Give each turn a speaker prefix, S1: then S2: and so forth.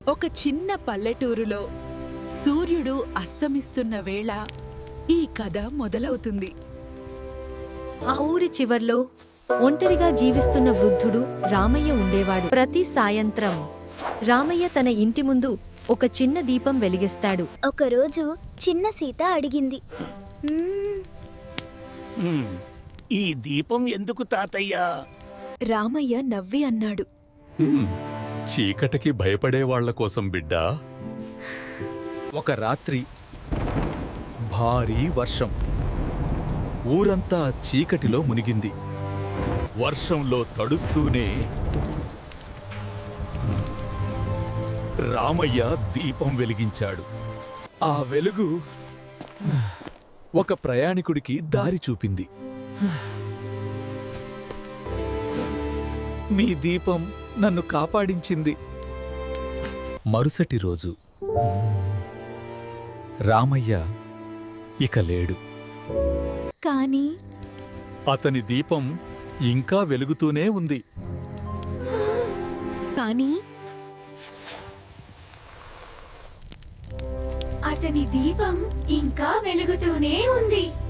S1: ఒక చిన్న పల్లెటూరులో సూర్యుడు అస్తమిస్తున్న వేళ ఈ కథ మొదలవుతుంది.
S2: ఆ ఊరి చివర్లో ఒంటరిగా జీవిస్తున్న వృద్ధుడు రామయ్య ఉండేవాడు. ప్రతి సాయంత్రం రామయ్య తన ఇంటి ముందు ఒక చిన్న దీపం వెలిగిస్తాడు.
S3: ఒకరోజు చిన్న సీత అడిగింది,
S4: ఈ దీపం ఎందుకు తాతయ్యా?
S2: రామయ్య నవ్వి అన్నాడు,
S5: చీకటికి భయపడేవాళ్ల కోసం బిడ్డా.
S6: ఒక రాత్రి భారీ వర్షం. ఊరంతా చీకటిలో మునిగింది.
S5: వర్షంలో తడుస్తూనే రామయ్య దీపం వెలిగించాడు.
S6: ఆ వెలుగు ఒక ప్రయాణికుడికి దారి చూపింది. మీ దీపం నన్ను కాపాడించింది. మరుసటి రోజు రామయ్య ఇక లేడు.
S2: కానీ
S5: అతని దీపం ఇంకా వెలుగుతూనే ఉంది.
S2: కానీ
S7: అతని దీపం ఇంకా వెలుగుతూనే ఉంది.